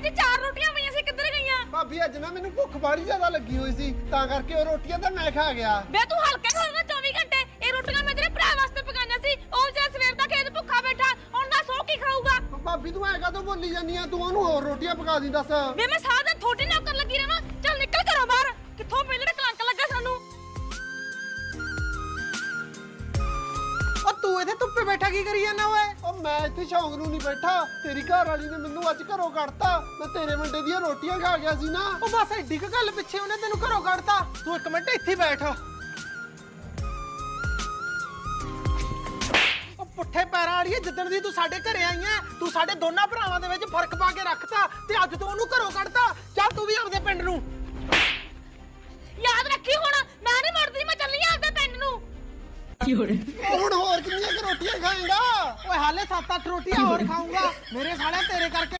'ਚ 4 ਰੋਟੀਆਂ ਪਈਆਂ ਸੀ, ਕਿੱਧਰ ਗਈਆਂ? ਭਾਬੀ ਅੱਜ ਨਾ ਮੈਨੂੰ ਭੁੱਖ ਬਾੜੀ ਜ਼ਿਆਦਾ ਲੱਗੀ ਹੋਈ ਸੀ, ਤਾਂ ਕਰਕੇ ਉਹ ਰੋਟੀਆਂ ਤਾਂ ਮੈਂ ਖਾ ਗਿਆ। ਬੇ ਤੂੰ ਹਲਕੇ ਖਾਣਾ 24 ਘੰਟੇ। ਇਹ ਰੋਟੀਆਂ ਮੈਂ ਤੇਰੇ ਭਰਾ ਵਾਸਤੇ ਪਕਾਈਆਂ ਸੀ। ਉਹ ਜੇ ਸਵੇਰ ਦਾ ਖੇਤ ਭੁੱਖਾ ਬੈਠਾ, ਹੁਣ ਦੱਸ ਉਹ ਕੀ ਖਾਊਗਾ? ਭਾਬੀ ਤੂੰ ਐਂ ਕਾਹਤੋਂ ਬੋਲੀ ਜਾਂਦੀ ਆ? ਤੂੰ ਉਹਨੂੰ ਹੋਰ ਰੋਟੀਆਂ ਪਕਾ ਦੀ ਦੱਸ। ਵੇ ਮੈਂ ਸਾਰਾ ਦਿਨ ਥੋੜੀ ਨੌਕਰ ਲੱਗੀ ਰਵਾਂ? ਚੱਲ ਨਿਕਲ ਘਰੋਂ ਬਾਹਰ। ਕਿੱਥੋਂ ਪਹਿਲੇ ਕਲੰਕ ਲੱਗਾ ਸਾਨੂੰ। ਉਹ ਤੂੰ ਇੱਥੇ ਧੁੱਪੇ ਬੈਠਾ ਕੀ ਕਰੀ ਜਾਂਦਾ ਓਏ? ਉਹ ਮੈਂ ਇੱਥੇ ਸ਼ੌਂਕ ਨੂੰ ਨਹੀਂ ਬੈਠਾ, ਤੇਰੀ ਘਰ ਵਾਲੀ ਨੇ ਮੈਨੂੰ ਅੱਜ ਘਰੋਂ ਕੱਢਤਾ। ਮੈਂ ਤੇਰੇ ਮੁੰਡੇ ਦੀਆਂ ਰੋਟੀਆਂ ਖਾ ਗਿਆ ਸੀ ਨਾ। ਉਹ ਬਸ ਐਡੀ ਕੁ ਗੱਲ ਪਿੱਛੇ ਉਹਨੇ ਤੈਨੂੰ ਘਰੋਂ ਕੱਢਤਾ। ਤੂੰ ਇੱਕ ਮਿੰਟ ਇੱਥੇ ਬੈਠ। ਉਹ ਪੁੱਠੇ ਪੈਰਾਂ ਵਾਲੀਏ, ਜਿੱਦਣ ਦੀ ਤੂੰ ਸਾਡੇ ਘਰੇ ਆਈ ਐ, ਤੂੰ ਸਾਡੇ ਦੋਨਾਂ ਭਰਾਵਾਂ ਦੇ ਵਿੱਚ ਫਰਕ ਪਾ ਕੇ ਰੱਖਤਾ ਤੇ ਅੱਜ ਤੂੰ ਉਹਨੂੰ ਘਰੋਂ ਕੱਢਤਾ। ਚੱਲ ਤੂੰ ਵੀ ਆਪਦੇ ਪਿੰਡ ਨੂੰ। ਯਾਦ ਰੱਖੀ ਹੁਣ, ਮੈਂ ਨਹੀਂ ਮਰਦੀ, ਮੈਂ ਚੱਲੀ ਆਂ ਆਪਦੇ ਪਿੰਡ ਨੂੰ। ਹੁਣ ਹੋਰ ਕਿੰਨੀਆਂ ਕੁ ਰੋਟੀਆਂ ਖਾਏਗਾ? ਓਏ ਹਾਲੇ 7-8 ਰੋਟੀਆਂ ਹੋਰ ਖਾਊਂਗਾ। ਮੇਰੇ ਸਾਲੇ ਤੇਰੇ ਕਰਕੇ